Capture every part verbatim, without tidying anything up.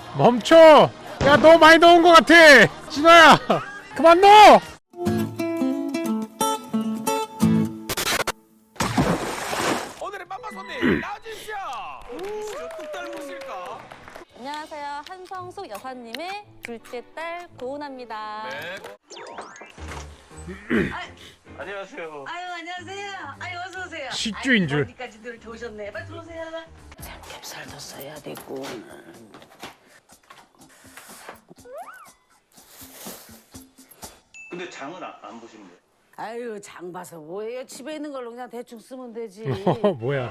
멈춰! 야, 너무 많이 넣은 것 같아! 진호야! 그만 넣어! 오늘의 맘마 손님 나와주십시오. 누구시죠? 뚝 닮으실까? 안녕하세요. 한성숙 여사님의 둘째 딸 고은아입니다. 네. 안녕하세요. 아유 안녕하세요. 아유 어서 오세요. 식주인 줄. 어디까지 늘 오셨네. 빨리 들어오세요. 삼겹살도 써야 되고. 근데 장은 안, 안 보시는 거예요? 아유 장 봐서 뭐예요? 집에 있는 걸로 그냥 대충 쓰면 되지. 어, 뭐야.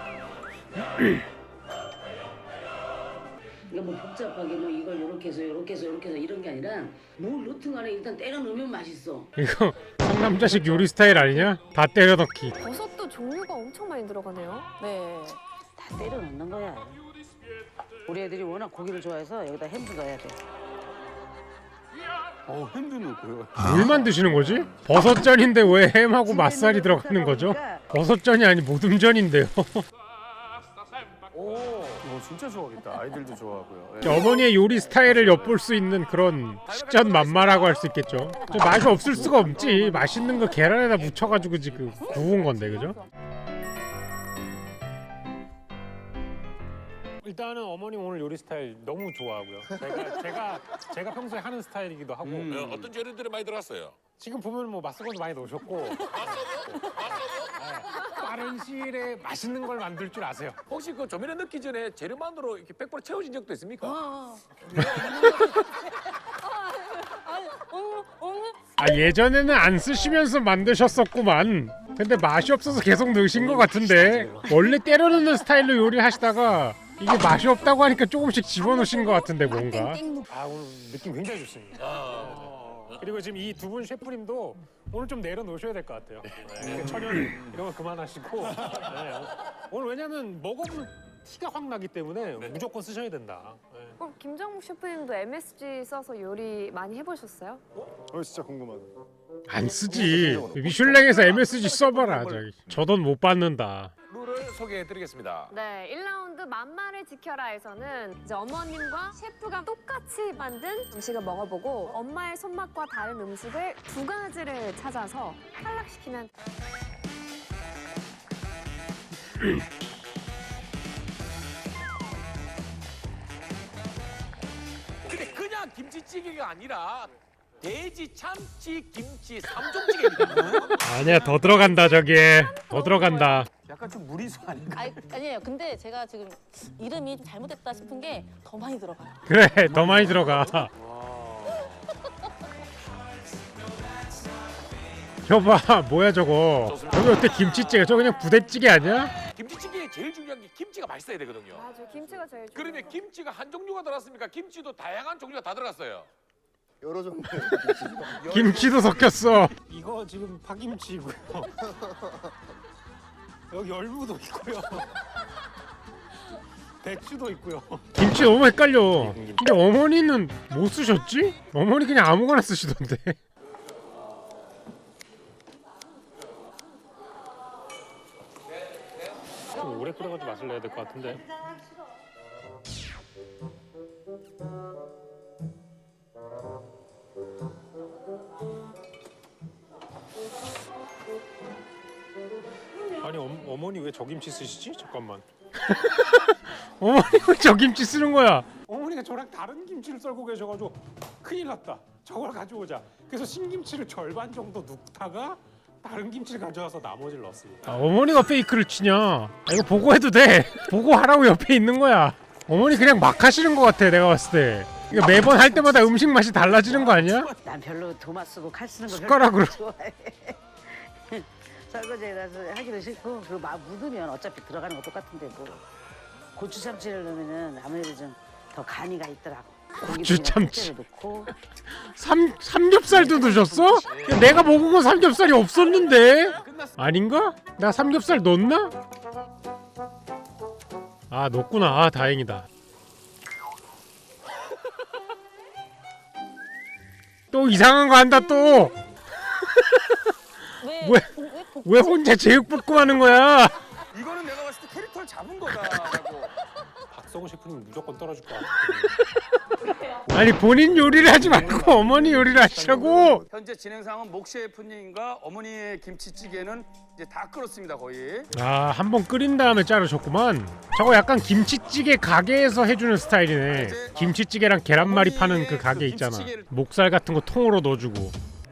이거 뭐 복잡하게 뭐 이걸 요렇게 해서 요렇게 해서 요렇게 해서 이런 게 아니라 뭘 넣든 간에 일단 때려 넣으면 맛있어. 이거 상남자식 요리 스타일 아니냐? 다 때려 넣기. 버섯도 종류가 엄청 많이 들어가네요. 네. 다 때려 넣는 거야. 우리 애들이 워낙 고기를 좋아해서 여기다 햄도 넣어야 돼. 어, 햄도 넣고요. 뭘 만드시는 거지? 버섯전인데 왜 햄하고 맛살이 들어가는 거죠? 버섯전이 아니 모듬전인데요. 오, 어, 진짜 좋아하겠다. 아이들도 좋아하고요. 예. 어머니의 요리 스타일을 엿볼 수 있는 그런 식전 만마라고 할 수 있겠죠. 저 맛이 없을 수가 없지. 맛있는 거 계란에다 묻혀가지고 지금 구운 건데, 그죠? 일단은 어머니 오늘 요리 스타일 너무 좋아하고요. 제가 제가 제가 평소에 하는 스타일이기도 하고. 음. 어, 어떤 재료들이 많이 들어갔어요? 지금 보면 뭐 맛소금도 많이 넣으셨고. 네, 빠른 시일에 맛있는 걸 만들 줄 아세요. 혹시 그 조미료 넣기 전에 재료만으로 이렇게 백 퍼센트 채워진 적도 있습니까? 어. 오늘 오늘 아, 예전에는 안 쓰시면서 만드셨었구만. 근데 맛이 없어서 계속 넣으신 것 같은데 원래 때려 넣는 스타일로 요리하시다가 이게 맛이 없다고 하니까 조금씩 집어넣으신 것 같은데 뭔가. 아, 오늘 느낌 굉장히 좋습니다. 네. 그리고 지금 이 두 분 셰프님도 오늘 좀 내려놓으셔야 될 것 같아요. 네. 천연 이런 거 그만하시고. 네. 오늘 왜냐면 먹어볼 티가 확 나기 때문에 무조건 쓰셔야 된다. 네. 어, 김정국 셰프님도 엠에스지 써서 요리 많이 해보셨어요? 어 진짜 궁금하다. 안 쓰지. 미슐랭에서 엠에스지 써봐라. 저기. 저 돈 못 받는다. 룰을 소개해드리겠습니다. 네, 일 라운드 만마를 지켜라에서는 이제 어머님과 셰프가 똑같이 만든 음식을 먹어보고 엄마의 손맛과 다른 음식을 두 가지를 찾아서 탈락시키면 근데 그냥 김치찌개가 아니라 돼지, 참치, 김치 삼종찌개입니다. 아니야, 더 들어간다 저기에. 더 들어간다. 약간 좀 무리수 아닌가? 아니, 아니에요. 근데 제가 지금 이름이 좀 잘못됐다 싶은 게 더 많이 들어가요. 그래, 더 많이 들어가. 여봐, 뭐야 저거. 저기 어때 김치찌개? 저 그냥 부대찌개 아니야? 김치찌개에 제일 중요한 게 김치가 맛있어야 되거든요. 맞아, 김치가 제일 중요해요. 그러면 김치가 한 종류가 들어갔습니까? 김치도 다양한 종류가 다 들어갔어요. 여러 종류. 김치도 섞였어. 이거 지금 파김치고요. 여기 열무도 있고요. 배추도 있고요. 김치 너무 헷갈려. 근데 어머니는 뭐 쓰셨지? 어머니 그냥 아무거나 쓰시던데. 좀 오래 끓여가지고 맛을 내야 될 것 같은데. 아니 어, 어머니 왜 저 김치 쓰시지? 잠깐만. 어머니 왜 저 김치 쓰는 거야? 어머니가 저랑 다른 김치를 썰고 계셔가지고 큰일 났다. 저걸 가져오자. 그래서 신김치를 절반 정도 눕다가 다른 김치를 가져와서 나머지를 넣었습니다. 아, 어머니가 페이크를 치냐? 아, 이거 보고해도 돼. 보고하라고 옆에 있는 거야. 어머니 그냥 막 하시는 것 같아 내가 봤을 때. 이거 매번 할 때마다 음식 맛이 달라지는 거 아니야? 난 별로 도마 쓰고 칼 쓰는 거 숟가락으로. 별로 안 좋아해. 설거지해서 하기도 싫고 그리고 막 묻으면 어차피 들어가는 거 똑같은데 뭐 고추 참치를 넣으면은 아무래도 좀 더 간이가 있더라고. 고추 참치. 넣고 삼 삼겹살도 넣으셨어? 야, 내가 먹은 건 삼겹살이 없었는데. 아닌가? 나 삼겹살 넣었나? 아, 넣었구나. 아, 다행이다. 또 이상한 거 한다 또. 왜? 왜? 왜 복- 왜 혼자 제육볶음 하는 거야? 이거는 내가 봤을 때 캐릭터를 잡은 거다라고. 박성훈 셰프님 무조건 떨어질 것 같아. 아니 본인 요리를 하지 말고 어머니 요리를 하시라고. 현재 진행 상황은 목 셰프님과 어머니의 김치찌개는 이제 다 끓었습니다 거의. 아, 한 번 끓인 다음에 자르셨구만. 저거 약간 김치찌개 가게에서 해주는 스타일이네. 김치찌개랑 계란말이 파는 그 가게 있잖아. 목살 같은 거 통으로 넣어주고.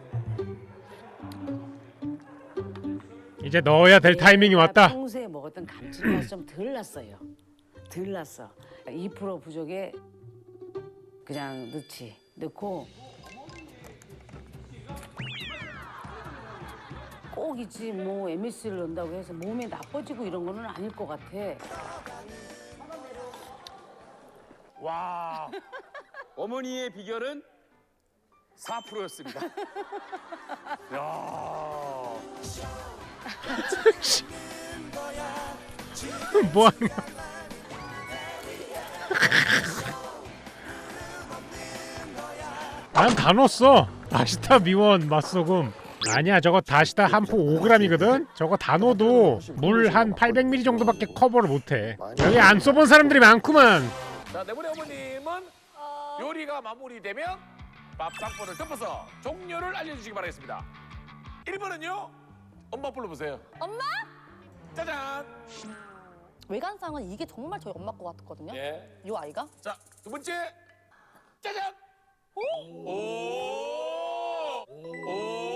이제 넣어야 될 타이밍이 왔다. 평소에 먹었던 감칠맛이 좀 덜 났어요. 덜 났어. 이 퍼센트 부족에 그냥 넣지. 넣고 꼭 있지 뭐 엠에스지를 넣는다고 해서 몸에 나빠지고 이런 거는 아닐 것 같아. 와. 어머니의 비결은 사 퍼센트였습니다. 야. 뭐 하는 거야? 난 다 넣었어. 다시다, 미원, 맛소금. 아니야, 저거 다시다 한 포 오 그램이거든. 저거 다 넣어도 물 한 팔백 밀리리터 정도밖에 커버를 못해. 여기 안 써본 사람들이 많구만. 자, 네 분의 어머님은 요리가 마무리되면 밥상포를 덮어서 종료를 알려주시기 바라겠습니다. 일 번은요. 엄마 불러보세요. 엄마? 짜잔. 외관상은 이게 정말 저희 엄마 거 같거든요. 예. 이 아이가. 자, 두 번째. 짜잔. 오. 오. 오.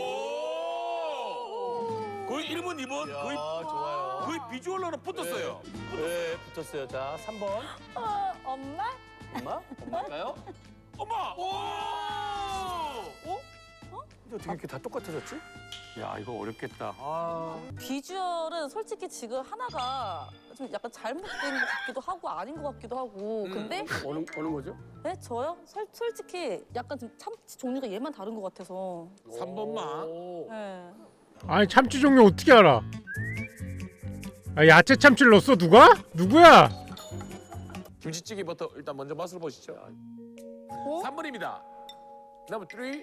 거의 일 번, 이 번 거의 좋아요. 거의 비주얼로는 붙었어요. 네, 붙었어요. 자, 삼 번. 어, 엄마? 엄마? 엄마일까요? 엄마. 오. 오. 근데 어떻게 이렇게 다 똑같아졌지? 야 이거 어렵겠다. 아. 비주얼은 솔직히 지금 하나가 좀 약간 잘못된 것 같기도 하고 아닌 것 같기도 하고. 근데 어느 어느 거죠? 네 저요? 솔, 솔직히 약간 좀 참치 종류가 얘만 다른 것 같아서. 삼 번만. 네. 아니 참치 종류 어떻게 알아? 아, 야채 참치를 넣었어 누가? 누구야? 김치찌개부터 일단 먼저 맛을 보시죠. 어? 삼 번입니다. 넘버 삼.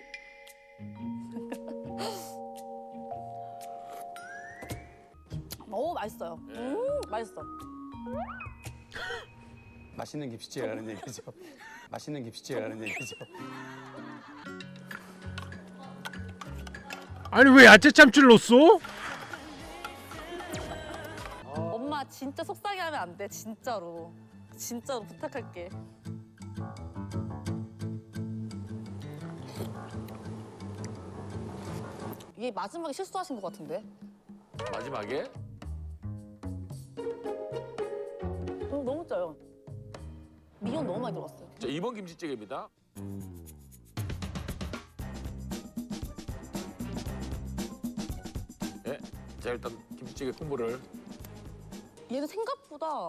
오 맛있어요. 음 맛있어. 맛있는 김치찌개라는 얘기죠. 맛있는 김치찌개라는 얘기죠. 아니 왜 야채 참치를 넣었어? 엄마 진짜 속상해 하면 안 돼. 진짜로. 진짜로 부탁할게. 이게 마지막에 실수하신 것 같은데? 마지막에 너무, 너무 짜요. 미역 너무 많이 들어갔어요. 자, 이 번 김치찌개입니다. 예. 자, 일단 김치찌개 국물을 얘는 생각보다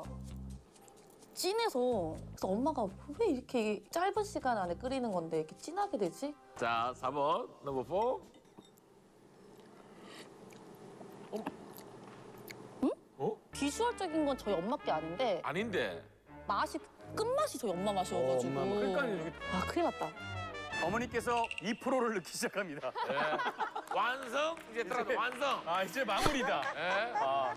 진해서 그래서 엄마가 왜 이렇게 짧은 시간 안에 끓이는 건데 이렇게 진하게 되지? 자, 사 번 넘버 사. 비주얼적인 건 저희 엄마 게 아닌데 아닌데. 맛이 끝맛이 저희 엄마 맛이어가지고. 엄마, 그러니까 이렇게- 아 큰일 났다. 어머니께서 이 퍼센트를 넣기 시작합니다. 예. 완성. 이제 들어가 완성. 아 이제 마무리다. 예. 아.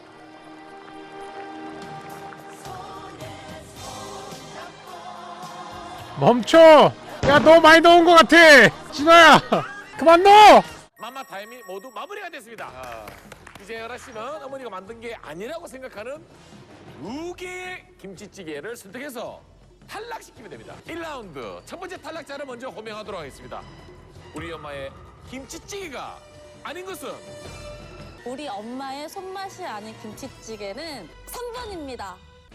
멈춰! 야 너 많이 넣은 것 같아! 진호야! 그만 넣어! 마마 타임이 모두 마무리가 됐습니다. 이제 열아 씨는 어머니가 만든 게 아니라고 생각하는 두 개의 김치찌개를 선택해서 탈락시키면 됩니다. 일 라운드 첫 번째 탈락자를 먼저 호명하도록 하겠습니다. 우리 엄마의 김치찌개가 아닌 것은 우리 엄마의 손맛이 아닌 김치찌개는 삼 번입니다.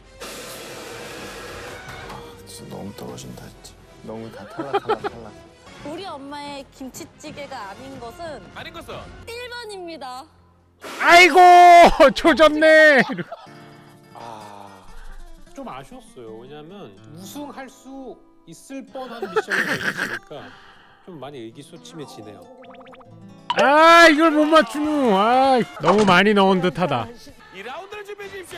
진짜 너무 떨어진다 진짜. 너무 다 탈락 탈락 탈락. 우리 엄마의 김치찌개가 아닌 것은 아닌 것은 일 번입니다. 아이고! 조졌네! 아, 좀 아쉬웠어요. 왜냐하면 우승할 수 있을 뻔한 미션을 내주시니까 좀 많이 의기소침해지네요. 아 이걸 못 맞추노. 아 너무 많이 넣은 듯하다. 이 라운드를 준비해 주십시오.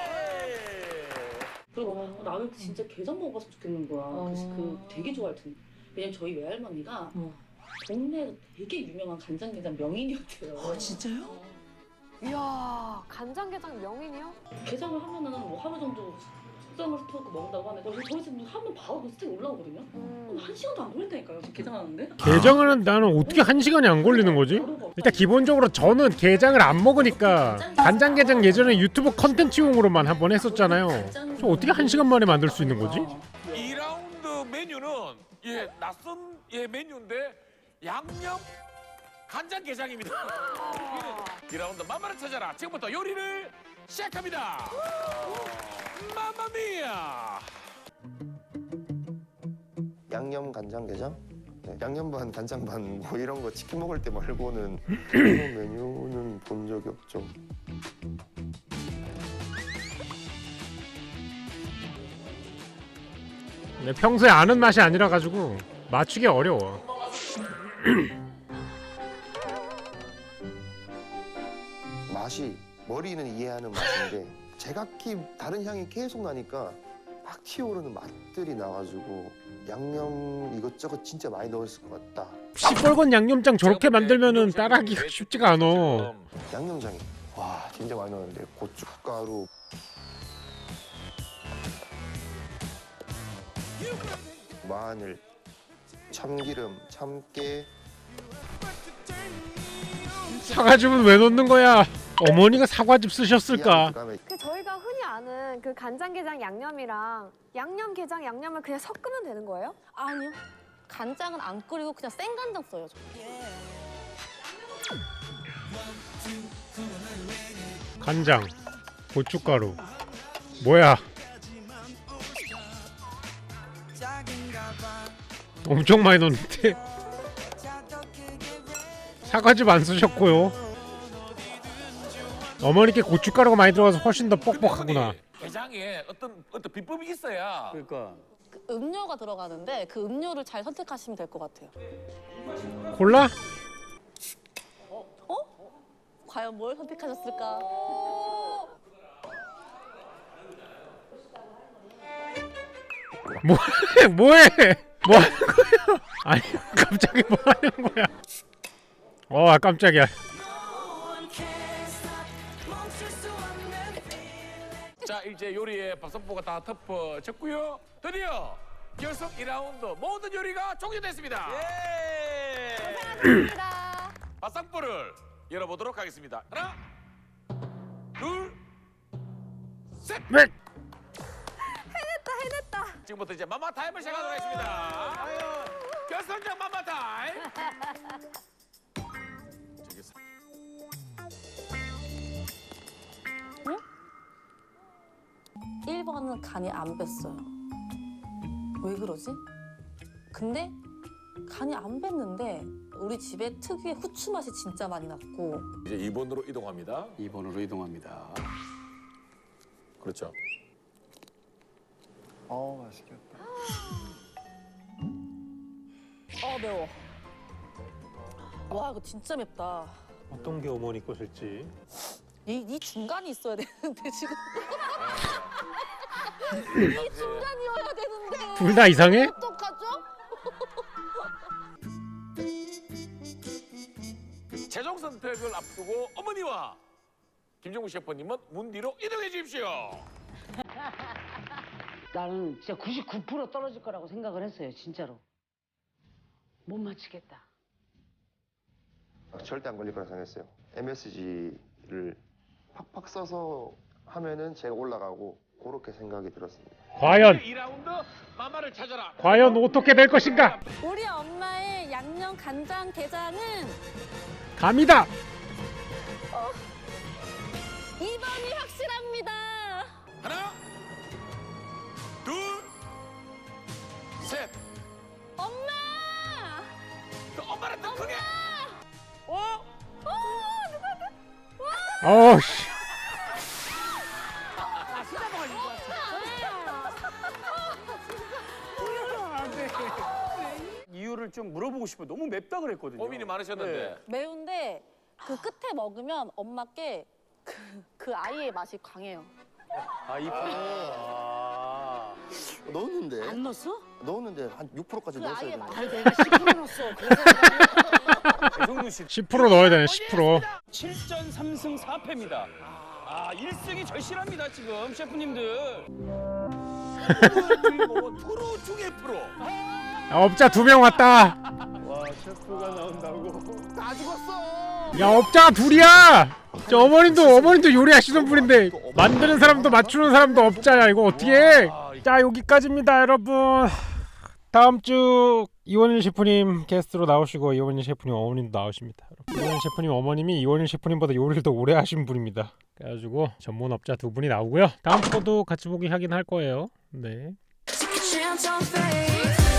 그리고 나는 진짜 게장 먹어봤으면 좋겠는 거야. 그래서 그 되게 좋아할 텐데. 왜냐면 저희 외할머니가 동네에서 되게 유명한 간장게장 명인이었대요. 아 진짜요? 이야, 간장게장 명인이요? 게장을 하면은 뭐 하루 정도 숙성을 스토크 먹는다고 하는데 저희 저희 집 하면 바로 스테이크 올라오거든요. 음. 한 시간도 안 걸린다니까요. 지금 게장하는데. 게장을 나는 어떻게 한 시간이 안 걸리는 거지? 일단 기본적으로 저는 게장을 안 먹으니까 간장게장 예전에 유튜브 컨텐츠용으로만 한 번 했었잖아요. 저 어떻게 한 시간 만에 만들 수 있는 거지? 이 라운드 메뉴는 예 낯선 예 메뉴인데 양념 간장게장입니다. 이 라운드 맘마를 찾아라. 지금부터 요리를 시작합니다. 마마미야. 양념 간장게장? 네, 양념 반 간장 반 뭐 이런 거 치킨 먹을 때 말고는 그런 메뉴는 본 적이 없죠. 내 평소에 아는 맛이 아니라 가지고 맞추기 어려워. 맛이 머리는 이해하는 맛인데 제각기 다른 향이 계속 나니까 막 튀어오르는 맛들이 나가지고 양념 이것저것 진짜 많이 넣었을 것 같다. 시뻘건 양념장 저렇게 만들면은 따라하기가 쉽지가 않아. 양념장이 와 진짜 많이 넣었는데 고춧가루 마늘 참기름 참깨 사과즙은 왜 넣는 거야? 어머니가 사과즙 쓰셨을까? 그다음에 그 저희가 흔히 아는 그 간장게장 양념이랑 양념게장 양념을 그냥 섞으면 되는 거예요? 아니요. 간장은 안 끓이고 그냥 생간장 써요. 저. 간장, 고춧가루. 뭐야? 엄청 많이 넣는데. 사과즙 안 쓰셨고요. 어머니께 고춧가루가 많이 들어가서 훨씬 더 뻑뻑하구나. 게장에 어떤 어떤 비법이 있어야. 그러니까 그 음료가 들어가는데 그 음료를 잘 선택하시면 될 것 같아요. 콜라? 과연 뭘 선택하셨을까? 뭐해? 뭐해? 뭐 하는 거야? 아니 갑자기 뭐 하는 거야? 어 깜짝이야. 자 이제 요리의 밥선보가 다 덮어졌고요. 드디어 결승 이 라운드 모든 요리가 종료됐습니다. 감사합니다. 밥선보를 열어보도록 하겠습니다. 하나, 둘, 셋. 네. 해냈다 해냈다. 지금부터 이제 마마 타임을 시작하도록 하겠습니다. 결승전 마마 타임. 저기 사- 일 번은 간이 안 뱄어요. 왜 그러지? 근데 간이 안 뱄는데 우리 집에 특유의 후추 맛이 진짜 많이 났고 이제 이 번으로 이동합니다. 이 번으로 이동합니다. 그렇죠. 어 맛있겠다. 어 매워. 와 이거 진짜 맵다. 어떤 게 어머니 것일지. 이, 이 중간이 있어야 되는데 지금 이 중간이어야 되는데 둘 다 이상해? 어떡하죠? 최종 선택을 앞두고 어머니와 김종국 셰프님은 문 뒤로 이동해 주십시오. 나는 진짜 구십구 퍼센트 떨어질 거라고 생각을 했어요, 진짜로. 못 맞히겠다. 절대 안 걸릴 거라 생각했어요. 엠에스지를 팍팍 써서 하면은 제가 올라가고 그렇게 생각이 들었습니다. 과연 이 라운드 마마를 찾아라. 과연 어떻게 될 것인가? 우리 엄마의 양념 간장 게장은 감이다. 이 번이 확실합니다. 하나, 둘, 셋. 엄마! 그 엄마를 더 크게. 어? 어우씨. 이유를 좀 물어보고 싶어요. 너무 맵다 그랬거든요. 고민이 많으셨는데. 네. 매운데 그 끝에 먹으면 엄마께 그, 그 아이의 맛이 강해요. 아, 이 번. 아. 넣었는데 안 넣었어? 넣었는데 한 육 퍼센트까지 그 넣었어야 아이의 되는데. 맛. 아니 내가 십 퍼센트 넣었어. 그래서 배성준 씨 십 퍼센트 넣어야 되네. 십 퍼센트. 칠 전 삼 승 사 패입니다. 아, 일 승이 절실합니다, 지금 셰프님들. 오늘 주인공은 프로 중에 프로. 야, 업자 두 명 왔다. 와 셰프가 나온다고. 다 죽었어. 야, 업자가 둘이야. 저 어머님도 어머님도 요리하시는 분인데 만드는 사람도 맞추는 사람도 업자야. 이거 어떻게 해? 자, 여기까지입니다, 여러분. 다음 주 이원일 셰프님 게스트로 나오시고 이원일 셰프님 어머님도 나오십니다. 이원일 셰프님 어머님이 이원일 셰프님보다 요리를 더 오래 하신 분입니다. 그래가지고 전문업자 두 분이 나오고요. 다음 거도 같이 보기 하긴 할 거예요. 네. Chance on faith.